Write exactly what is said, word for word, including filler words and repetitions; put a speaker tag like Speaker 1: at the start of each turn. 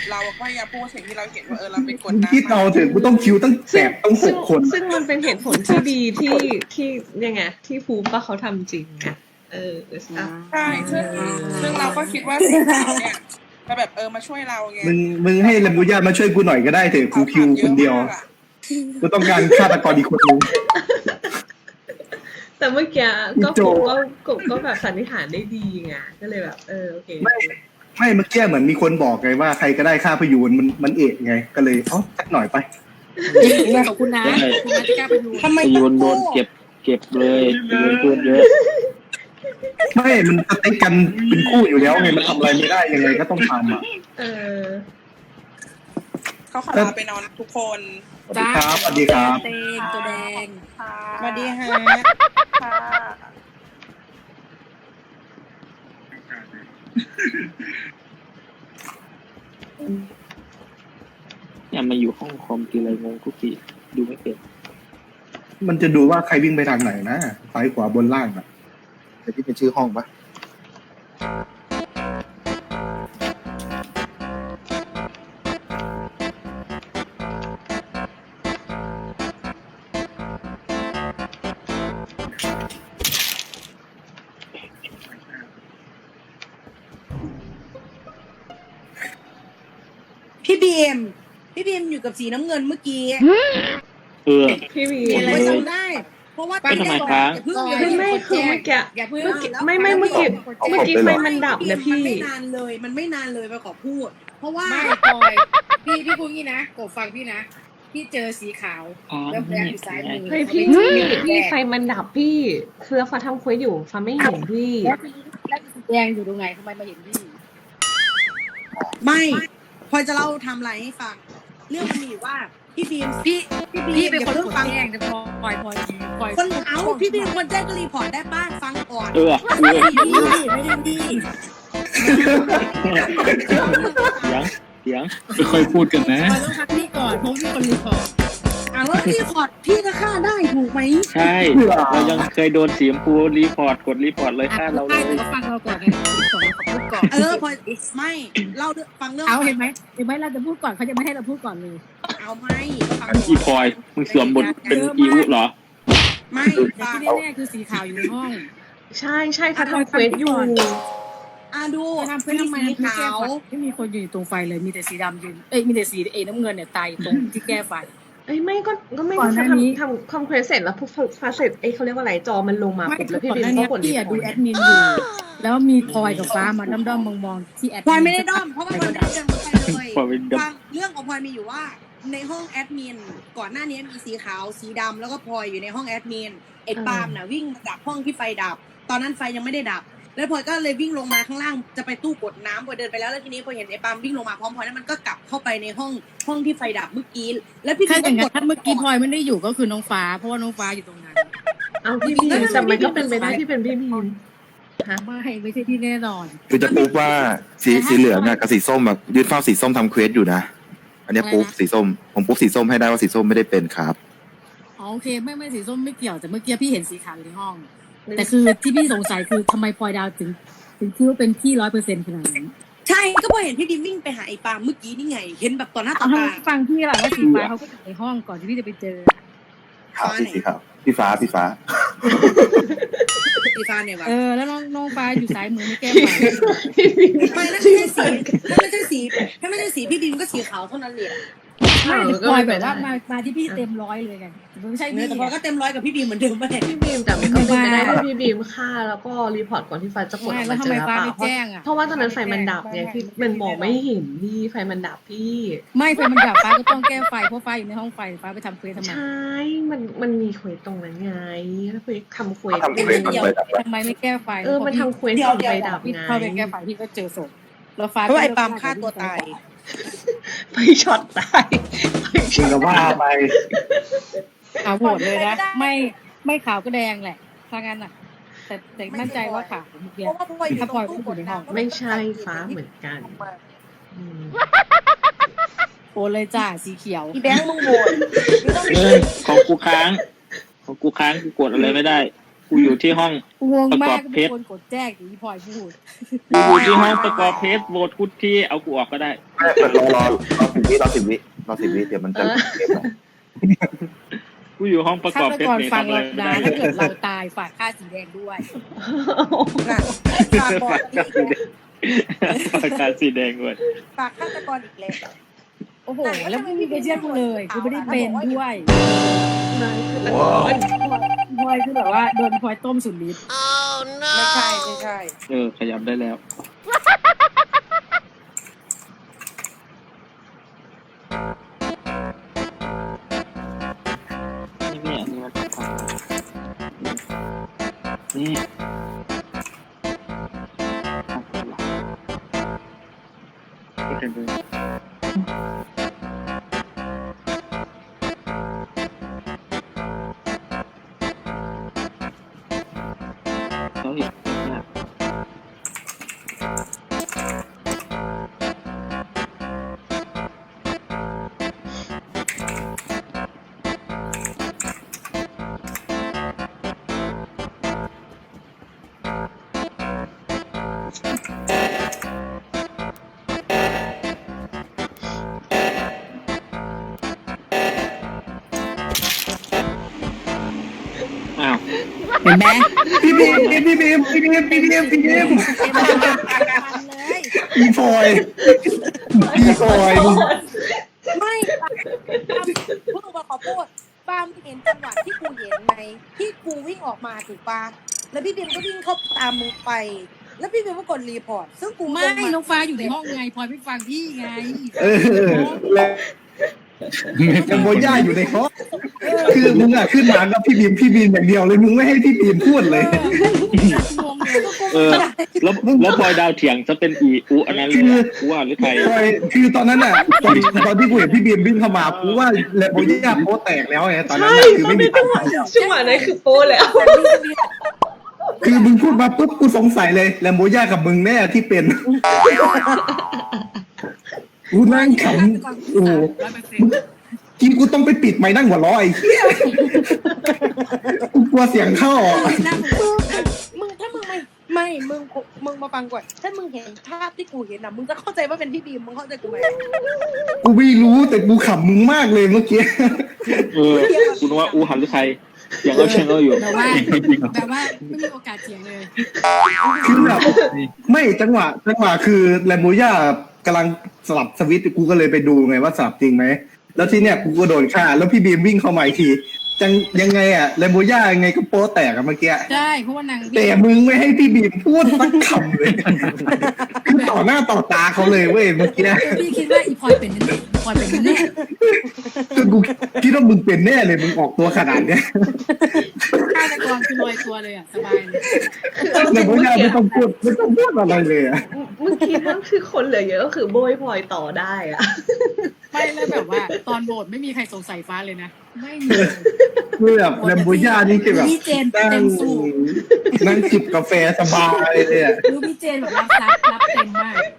Speaker 1: เราก็พยายามพูดสิ่งที่เราเห็นว่าเออเราเป็นกด
Speaker 2: มึง
Speaker 1: น้ำ
Speaker 2: คิดเอาเถอะกูต้องคิวตั้งแปดต้องห
Speaker 3: ซึ่ง
Speaker 2: กคน
Speaker 3: ซึ่งมันเป็นเหตุผลที่ดีที่ที่ยังไงที่ฟูมว่าเขาทำจริงไงเอออ่ะ
Speaker 1: ใช่ซึ่งซึ่งเราก็คิดว่าสีขาวเนี่ยจะแบบเออมาช่วยเราไง
Speaker 2: มึงมึงให้ลำบุญามาช่วยกูหน่อยก็ได้เถอะกูคิวคนเดียวกูต้องการฆาตกรอีกคนนึง
Speaker 3: แต่เมื่อกี้ก็
Speaker 2: โจ
Speaker 3: กบก็กบก็แบบสันนิษฐานได้ดีไงก็เลยแบบเออโอเค
Speaker 2: ไม่ไม่เมื่อกี้เหมือนมีคนบอกไงว่าใครก็ได้ฆ่าพยูนมันมันเอกไงก็เลยเอ้าสักหน่อยไป
Speaker 4: ขอบคุณนะคุณนะที่กล้าไปดู
Speaker 1: ทำไม
Speaker 5: พยูนโดนเก็บเก็บเลยพยูนเพื่อนเยอะ
Speaker 2: ไม่มันสติ๊กกันเป็นคู่อยู่แล้วไงมันทำอะไรไม่ได้ยังไงก็ต้องทำอ่ะ
Speaker 3: เออ
Speaker 1: เขาขอลาไปนอนทุกคน
Speaker 2: สวัสดีครับสวัสดีครับ
Speaker 4: เตงตัวแดง
Speaker 1: สวัสดีฮะค่ะ
Speaker 5: เนี่ยมาอยู่ห้องคอมทีไรงงทุกทีดูไม่เป็น
Speaker 2: มันจะดูว่าใครวิ่งไปทางไหนนะซ้ายขวาบนล่างอ่ะ
Speaker 6: แต่ที่เป็นชื่อห้องปะ
Speaker 4: พี่บีมพี่บีมอยู่กับสีน้ำเงินเมื่อกี้
Speaker 5: เออ
Speaker 3: พี่วี
Speaker 4: อะไร
Speaker 5: เลย
Speaker 4: จำได้ เพราะว่า
Speaker 5: ไม่ทำไมครับ
Speaker 4: อย่าเพิ่ง
Speaker 3: คือไม่คือเมื่อกี้
Speaker 4: อย่าเพิ่ง
Speaker 3: เมื่อกี้ไม่ไม่เมื่อกี้เมื่อกี้ไฟมันดับนะพี่
Speaker 4: มันไม่นานเลย มันไม่นานเลยไปขอพูด เพราะว่า
Speaker 7: ไม่ปล่อยพี่พี่พูดงี้นะกบฟังพี่นะพี่เจอสีขาว
Speaker 5: อ๋อ
Speaker 7: แล้วแบอยู่ซ้ายมือ
Speaker 3: เฮ้ยพี่พี่ไฟมันดับพี่คือฟ้าทำเควสอยู่ฟ้าไม่เห็นพี่
Speaker 7: แล้วแล้วสีแดงอยู่ตรงไหนทำไมมาเห็นพี่
Speaker 4: ไม่พลอยจะเล่าไทำไรให้ฟัง เรื่องมันมีอยู่ว่าพี่บีม
Speaker 7: พี่
Speaker 4: พี่บีม
Speaker 7: พี่เป็นคน
Speaker 4: อย่า
Speaker 7: ก
Speaker 4: เพิ่
Speaker 7: ด
Speaker 4: งฟัง
Speaker 7: แจ้งแต่พอปล่อยปล่อยปล่อย
Speaker 4: คนเอาพี่บีมคนแจ้งก็รีพอร์ตได้บ้างฟังก่อน
Speaker 5: เออเออ
Speaker 4: พี่ไม่ได้ดี
Speaker 5: เสียงเสียง
Speaker 8: ค่อยๆพูดกันนะ
Speaker 7: ปล่อยต้องพักพี่ก่อนเพราะพี่คนรีพอร์ต
Speaker 4: อ่ะแล้วรีพอร์ตพี่ก็ฆ่าได้ถูกไหม
Speaker 5: ใช่เรายังเคยโดนสีชมพูรีพอร์ตกดรีพอร์ตเลย
Speaker 7: อ่ะ
Speaker 5: ฆ่าเราเล
Speaker 7: ใช่
Speaker 5: ย
Speaker 7: แต่ก็ฟังเราก่อนไงก่อนเราพูดก่อน
Speaker 4: เออพลอยไม่เล่าเรื่องฟังเรื่อง
Speaker 7: เอาเห็นไหมเห็นไหมเราจะพูดก่อนเขาจะไม่ให้เราพูดก่อนเลย
Speaker 4: เอาไม่ฟัง
Speaker 5: อีพลอยมึงสวมบทเป็นอีวุเหรอ
Speaker 4: ไม่
Speaker 7: แต่
Speaker 4: ฟัง
Speaker 7: ที่แน่ๆคือสีขาวอยู่ในห้อง
Speaker 3: ใช่ใช่ฟ้าทำเควสอยู่
Speaker 4: อ่ะดู
Speaker 7: จะทำเพื่อทำไม
Speaker 4: สี
Speaker 7: ไม่แก้
Speaker 4: ขาว
Speaker 7: ไฟไม่มีคนอยู่ตรงไฟเลยมีแต่สีดำยืนเอ้ยมีแต่สีเอน้ำเงินเนี่ยตายตรงที่แก้ไฟ
Speaker 3: เอ้ยไม่ก็ก็ไม่
Speaker 7: ก่อนหน้านี้
Speaker 3: ทำทำทำเควสเสร็จแล้วพอฟ้าเสร็จเอ้ยเขาเรียกว่าอะไรจอมันลงมา
Speaker 7: ไม่
Speaker 3: ปุ๊บ
Speaker 7: คื
Speaker 3: แล้
Speaker 7: อ
Speaker 3: วพี่
Speaker 7: ก่อน
Speaker 3: บิ
Speaker 7: ห
Speaker 3: น
Speaker 7: น้า
Speaker 3: ก็
Speaker 7: นี้
Speaker 3: กดรี
Speaker 7: พี่
Speaker 3: พ
Speaker 7: อะ
Speaker 3: อ
Speaker 7: ดู
Speaker 3: ร์ต
Speaker 7: แอดมินอยู่แล้วมีพลอยกับฟ้ามาด้อมๆมองๆที่แอด
Speaker 4: พลอยไม่ได้ด้อมเพราะว่าพลอยไม่ได้เดินไปเลย
Speaker 5: พลอยไม่ได้ด้อม
Speaker 4: ฟังเรื่องของพลอยมีอยู่ว่า ในห้องแอดมินก่อนหน้านี้มีสีขาวสีดำแล้วก็พลอยอยู่ในห้องแอดมินไอ้ปาล์มน่ะวิ่งมาจากห้องที่ไฟดับ ตอนนั้นไฟยังไม่ได้ดับ แล้วพลอยก็เลยวิ่งลงมาข้างล่างจะไปตู้กดน้ำพลอยเดินไปแล้วแล้วทีนี้พลอยเห็นไอ้ปาล์มวิ่งลงมาพร้อมพลอยแล้วมันก็กลับเข้าไปในห้องห้องที่ไฟดับเมื่อกี้แล้วพี่
Speaker 7: ถ้าอย่าง
Speaker 4: ก็
Speaker 7: นั้นถ้าเมื่อกี้พลอยไม่ได้อยู่ก็คือน้องฟ้า เพราะว่าน้องฟ้าอยู่ตรงนั้น
Speaker 3: เอาพี่บินแต่มันก็เป็นไปได้ที่เป็นพี่บินฮะ
Speaker 7: ไม่ไม่ใช่ที่แน่นอน
Speaker 6: คือจะปุ๊บว่าสีสีเหลืองอะกับสีส้มอะยืนเฝ้าสีส้มทำเควสอยู่นะ อันเนี้ยปุ๊บสีส้มผมปุ๊บสีส้มให้ได้ว่าสีส้มไม่ได้เป็นครับ
Speaker 7: อ๋อโอเคไม่ไม่สีส้มไม่เกี่ยวแต่เมื่อกี้พี่เห็นสีขาวอยู่ในห้อง แต่คือที่พี่สงสัยคือทำไมพลอยดาวถึงถึงคิดว่าเป็นพี่ร้อยเปอร์เซ็นต์ขนาดนั้น
Speaker 4: ใช่ก็พลอยเห็นพี่ดิมวิ่งไปหาไอ้ปาล์มเมื่อกี้นี่ไง เห็นแบบต่อหน้าต่อ
Speaker 7: เอา
Speaker 4: ตา
Speaker 7: ให้ฟังพี่ล่ะว่าสีฟ้าเขาก็อยู่ในห้องก่อนที่พี่จะไปเจอ
Speaker 6: ขาวสีสีขาวพี่ฟ้าพี่ฟ้า
Speaker 4: อีฟานเนี่ยวะ
Speaker 7: เออแล้วน้องน้องฟ้าอยู่ซ้ายมือไม่แก้ไฟ
Speaker 4: ไม่นั่นไม่ใช่สีถ้าไม่ใช่สีถ้าไม่ใช่สีพี่ดิมก็สีขาวเท่านั้นเลยอะ
Speaker 7: ไม่แต่พลอยแบบว่ามามาที่พี่เต็มร้อยเลยไงไม่ใช่
Speaker 4: เนื้
Speaker 7: พี่
Speaker 4: อแต่พลอยก็เต็มร้อยกับพี่ดิมเหมือนเดิมไป
Speaker 3: พี่บีมแต่มันก็เป็นไปได้ที่พี่บีมฆ่าแล้วก็รีพอร์ตก่อนที่ไฟจะกดอ
Speaker 7: ไม่
Speaker 3: อก
Speaker 7: แล้ว
Speaker 3: มา
Speaker 7: ทำ
Speaker 3: เจ
Speaker 7: ไม
Speaker 3: อ
Speaker 7: ฟ้า
Speaker 3: เปล่า
Speaker 7: ไม่แจ้งอ่ะ
Speaker 3: เพราะว่าตอนนั้นไฟมันดับไงพี่มันมองไม่เห็นพี่ไฟมันดับพี่
Speaker 7: ไม่ไฟมันดับฟ้าก็ต้องแก้ไฟเพราะฟ้าอยู่ในห้องไฟฟ้าไปทำเควสทำไม
Speaker 3: ใช่ มันมันมีเควสตรงนั้นไงแล้วไปทำเควส
Speaker 6: ทำเควสทำเควส
Speaker 7: ทำไมไม่แก้ไฟ
Speaker 3: เออมันทำเควสก่อนไฟดับ
Speaker 7: พี่
Speaker 3: ไง
Speaker 7: เข้าไปแก้ไฟพี่ก็เจอศพแล้วฟ้า
Speaker 4: เพราะว่าไอ้ปาล์มฆ่าตัวตาย
Speaker 3: ไฟช็อตตายไฟ
Speaker 2: จริ
Speaker 3: ช็
Speaker 2: ง
Speaker 3: อต
Speaker 2: กับว่าไป
Speaker 7: เอาโหวตเลยนะไม่ไม่ขาวก็แดงแหละถ้างั้นอ่ะ แต่แต่มั่นใจว่าขาวเมื่อกี้
Speaker 4: เพราะว่าพลอยอยู่
Speaker 7: ถ้า
Speaker 4: ต
Speaker 7: พล
Speaker 4: ร
Speaker 7: อย
Speaker 4: ง
Speaker 7: ก็
Speaker 4: ตู้
Speaker 7: อก ยู่
Speaker 4: ด
Speaker 7: ในห้อง
Speaker 4: น้ำ
Speaker 3: ไม่ใช่ฟ้าเหมือนกันอืม
Speaker 7: โอนเลยจ้าสีเขียว
Speaker 4: อีแบงค์มึงโหวตไม่ต้อง
Speaker 5: เออของกูค้างของกูค้างกูกดอะไรไม่ได้ กูกูอยู่ที่ห้อง
Speaker 7: งงมาก
Speaker 5: ประกอบเพ
Speaker 7: เป็น
Speaker 5: ชร
Speaker 7: คนกดแจ้งอย่างที่พลอยพูด
Speaker 5: กูอยู่ที่ห้องประกอบเพจโหวตกูที่เอากูออกก็ได้
Speaker 6: รอรอรอสิบวิรอสิบวิรอสิบวิเดี๋ยวมันจะเกมแล้ว
Speaker 5: กูอยู่ห้องประก
Speaker 7: ฆา
Speaker 5: อบ
Speaker 7: ต
Speaker 5: เพจ
Speaker 7: กร
Speaker 5: เนี่ย
Speaker 7: ฟัง
Speaker 5: ทำอะไร
Speaker 7: เรา
Speaker 5: ไม่
Speaker 7: ดา
Speaker 5: ได้
Speaker 7: ถ้าเกิดเราตายฝากค่าสีแดงด้วย
Speaker 4: น่ะฝากบอก
Speaker 5: ฝากการสีแดงด้วย
Speaker 4: ฝากฆาตกรอีกแล้ว
Speaker 7: โอ้โห แล้วไม่มีใครเชื่อกูเลยกูไม่ได้เป็นด้วย
Speaker 3: นายคือตะ
Speaker 7: พ
Speaker 3: ก
Speaker 7: ล
Speaker 3: อ
Speaker 7: อน พลอยคือแบบว่าโดนพลอยต้มสุดฤทธิ์
Speaker 4: ไม่ใช่ไม่ใช่
Speaker 5: เออขยับได้แล้วนี่เนี่ยนี่มันนี่นี่เป็นเลยเขาเห็นเนี่ย อ้าว
Speaker 7: เห็นไหม
Speaker 2: พี่บีมพี่บีมพี่บีมพี่บีมพี่บีม
Speaker 7: เลย
Speaker 2: พี่พลอยพี่พลอยมึง
Speaker 4: ไม่ปาพูดมาขอพูดปาล์มเห็นจังหวะที่กูเห็นไหมที่กูวิ่งออกมาถูกปะแล้วพี่บีมก็วิ่งเข้าตามมึงไป แล้วพี่บีมก็กดรีพอร์ตซึ่งกู
Speaker 7: ไม่น้องฟ้าอยู่ในห้องไงพลอยไม่ฟังพี่ไง
Speaker 2: เออแล้วกันโบย่าอยู่ในห้องคือมึงอะขึ้นมากับพี่บีมพี่บีมอย่างเดียวเลยมึงไม่ให้พี่บีมพูดเลย
Speaker 7: งงเลย
Speaker 5: เออแล้วแล้วพลอยดาวเถียงจะเป็นอีอูอันนั้นเลยอะกูว่าหรือใคร
Speaker 2: พลอยคือตอนนั้นอะตอนตอนที่กูเห็นพี่บีมวิ่งเข้ามากูว่าแลโบย่าโป๊แตกแล้วไงตอนนั้น
Speaker 3: ใช่
Speaker 2: อะคือ
Speaker 3: ตอ
Speaker 2: ไม่
Speaker 3: น
Speaker 2: มี
Speaker 3: นี้จังหวะจังหวะนั้นคือโป้แล้ว
Speaker 2: คือมึงพูดมาปุ๊บกูสงสัยเลยแลมโบย่ากับมึงแน่ที่เป็นกูนั่งขำโอ้โห
Speaker 7: ร้อยเปอร์เซ็นต์
Speaker 2: กินกูต้องไปปิดไม้นั่งหัวเราะไอ้เหี้ยกูกลัวเสียงเข้าอ่ะ
Speaker 4: มึงถ้ามึงไม่ไม่มึงมึงมาฟังก่อนถ้ามึงเห็นภาพที่กูเห็นนะมึงจะเข้าใจว่าเป็นพี่บีมมึงเข้าใจกูไหม
Speaker 2: กูไม่รู้แต่กูขำมึงมากเลยเมื่อกี้
Speaker 5: เออกูนึกว่าอูหันหรือใครเถียงเอาเชียงเอาอยู่
Speaker 7: แต่ว่าแต่ว่าไม่มีโอกาสเถียงเลย
Speaker 2: คือแบบไม่จังหวะจังหวะคือแลมโบย่ากำลังสลับสวิตช์กูก็เลยไปดูไงว่าสลับจริงไหมแล้วที่เนี้ยกูก็โดนฆ่าแล้วพี่บีมวิ่งเข้ามาอีกทีจังยังไงอะแลมโบย่ายังไงก็โป๊แตกอะเมื่อกี้
Speaker 7: ใช่เพราะว่านาง
Speaker 2: แต่มึงไม่ให้พี่บีมพูดสักคำเลยคือต่อหน้าต่อตาเขาเลยเว้ยเมื่อกี้
Speaker 7: พี่คิดว่าอีพลอยเป็นแน่ๆพลอยเป็นแน่
Speaker 2: คือกูคิดว่ามึงเป็นแน่เลยมึงออกตัวขนาดเนี้ย
Speaker 7: ๆฆาตกรคือลอยตัวเลยอ่ะสบายเลย
Speaker 2: แลมโบย่าไม่ต้องพูดไม่ต้องพูดอะไรเลยอะ
Speaker 3: เมื่อกี้นั่นคือคนเหลือเยอะก็คือโบยพลอยต่อได้อะ
Speaker 7: ไม่แล้วแบบว่า ตอนโหวตไม่มีใครสงสัยฟ้าเลยนะไม่มี
Speaker 2: คือแบบแลมโบย่านี่คือแบบ
Speaker 7: พี่เจน
Speaker 2: นั่
Speaker 7: เต็
Speaker 2: ง
Speaker 7: มสูบ
Speaker 2: นั่งจิบกาแฟสบายเลยอะ
Speaker 7: รู้พี่เจนแบบรับซับรับเต็มมาก